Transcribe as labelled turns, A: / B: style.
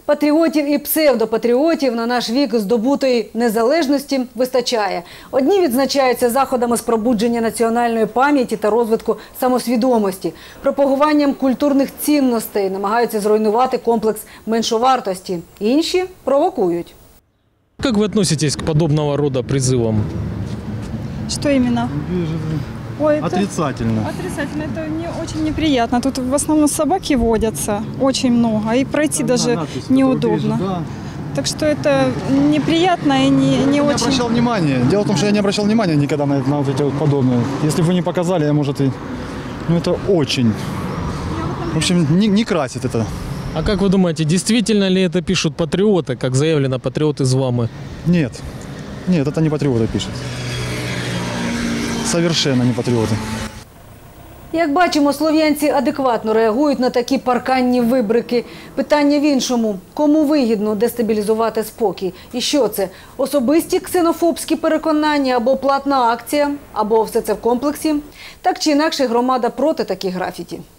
A: Патріотів і псевдопатріотів на наш вік здобутої незалежності вистачає. Одні відзначаються заходами з пробудження національної пам'яті та розвитку самосвідомості, пропагуванням культурних цінностей, намагаються зруйнувати комплекс меншовартості. Інші провокують.
B: Как вы относитесь к подобного рода призывам?
C: Что именно? Ой,
D: Отрицательно.
C: Отрицательно. Это не очень неприятно. Тут в основном собаки водятся очень много. И пройти даже неудобно. Так что это неприятно и не
D: Я
C: очень...
D: обращал внимание. Дело в том, что я не обращал внимания никогда на вот эти вот подобные. Если бы вы не показали, я, может, и... Ну, это очень... В общем, не красит это.
B: А как вы думаете, действительно ли это пишут патриоты, как заявлено, патриоты из Вамы?
D: Нет. Нет, это не патриоты пишут. Совершенно не патриоты.
A: Як бачимо, слов'янці адекватно реагують на такі парканні вибрики. Питання в іншому. Кому вигідно дестабілізувати спокій? І що це? Особисті ксенофобські переконання або платна акція? Або все це в комплексі? Так чи інакше, громада проти таких графіті.